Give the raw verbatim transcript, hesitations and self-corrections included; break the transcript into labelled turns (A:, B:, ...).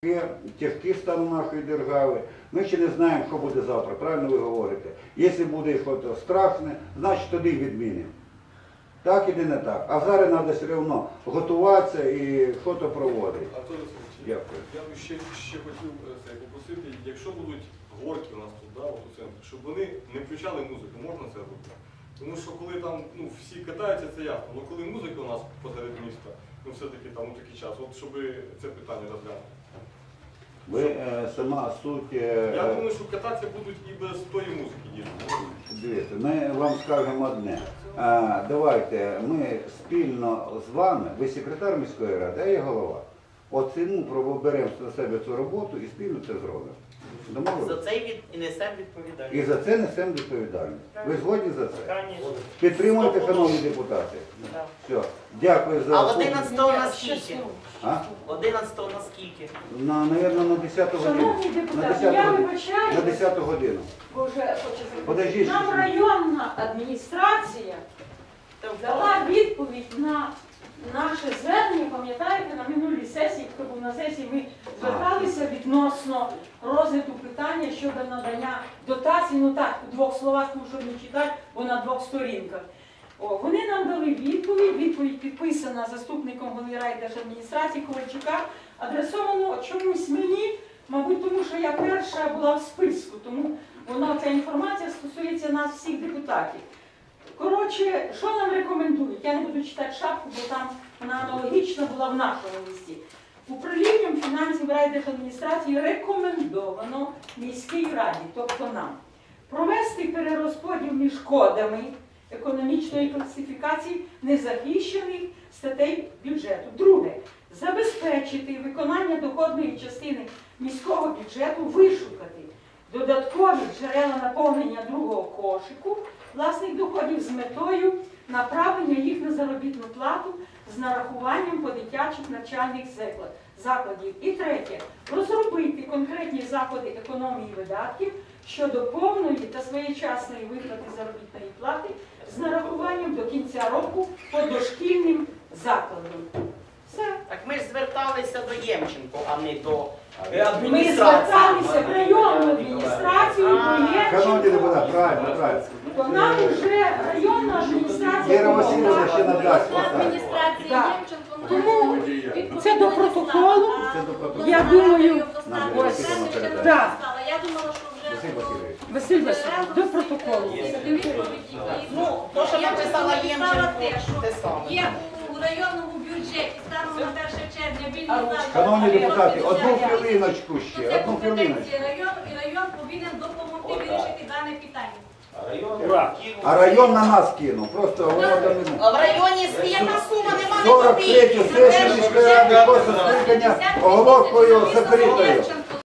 A: Тяжкі стану нашої держави. Ми ще не знаємо, що буде завтра, правильно ви говорите. Якщо буде щось страшне, значить тоді відмінимо. Так і не так. А зараз треба все одно готуватися і щось проводити.
B: Дякую. Я б ще, ще хотів це, попросити, якщо будуть горки у нас тут, да, от у центрі, щоб вони не включали музику, можна це робити? Тому що коли там ну, всі катаються, це ясно. Але коли музика у нас посеред міста, ну все-таки там у такий час, от щоб це питання розглянути.
A: Ви е, сама суть... Е,
B: Я думаю, що кататися будуть і без тої музики дійсно.
A: Дивіться, ми вам скажемо одне. А, давайте ми спільно з вами, ви секретар міської ради, а я голова, оцінимо, беремо на себе цю роботу і спільно це зробимо.
C: За це і несемо відповідальність.
A: І за це несемо відповідальність. Ви згодні за це?
C: Конечно.
A: Підтримуєте, шановні депутати?
C: Так.
A: Все. Дякую за...
C: А одинадцятого на скільки?
A: А?
C: одинадцятого на скільки?
A: На, навірно, на десяту годину.
D: Шановні
A: На
D: депутати,
A: десяту
D: я
A: годину.
D: вибачаю.
A: На десяту годину.
D: Боже, хочу
A: Подождіть.
D: Нам районна адміністрація дала відповідь на наше звернення, пам'ятаєте, на минулій сесії, хто був на сесії, ми зверталися відносно розгляду питання щодо надання дотацій, ну так, у двох словах, тому що не читати, бо на двох сторінках. О, вони нам дали відповідь, відповідь підписана заступником голови райдержадміністрації Ковальчука, адресовано чомусь мені, мабуть, тому що я перша була в списку, тому вона, ця інформація стосується нас всіх депутатів. Коротше, що нам рекомендують? Я не буду читати шапку, бо там вона аналогічна була в нашому листі. Управлінням фінансів райдержадміністрації рекомендовано міській раді, тобто нам, провести перерозподіл між кодами економічної класифікації незахищених статей бюджету. Друге, забезпечити виконання доходної частини міського бюджету, вишукати додаткові джерела наповнення другого кошику власних доходів з метою направлення їх на заробітну плату з нарахуванням по дитячих навчальних закладів. І третє, розробити конкретні заходи економії видатків щодо повної та своєчасної виплати заробітної плати з нарахуванням до кінця року по дошкільним закладам. Все.
C: Так ми ж зверталися до Ємченко, а не до
D: Ми
C: адміністрації.
D: зверталися в районну адміністрацію, до
A: Шановні
D: Євченко.
A: депутати, правильно, правильно.
D: То нам вже районна адміністрація
A: Віра Васильівна ще
D: допомогла.
A: надасть.
E: Адміністрації
D: Так.
E: Ємченко,
D: Тому
E: відповідно,
D: це до
E: не
D: протоколу.
E: знала.
A: Це до протоколу.
D: Я думаю,
A: Нам
E: Ось.
A: Василь Васильович
E: Ще не
A: передає.
D: Так.
E: стала. Я думала, що вже
A: Василь Васильович.
D: Василь Васильович, до протоколу.
C: Ну, то, що написала Ємченко, те саме.
E: Є у районному бюджеті станом на перше червня вільні залишки.
A: Шановні депутати, одну
E: Бюджету.
A: хвилиночку
E: То
A: ще,
E: це
A: одну хвилиночку.
E: компетенція району, і район повинен допомогти вирішити дане питання.
A: А район на нас кинув, просто воно там не...
C: А в районі яка сума, нема не
A: сорок третю
C: копійки.
A: сесію міської ради, просто скликання оголовкою закритою.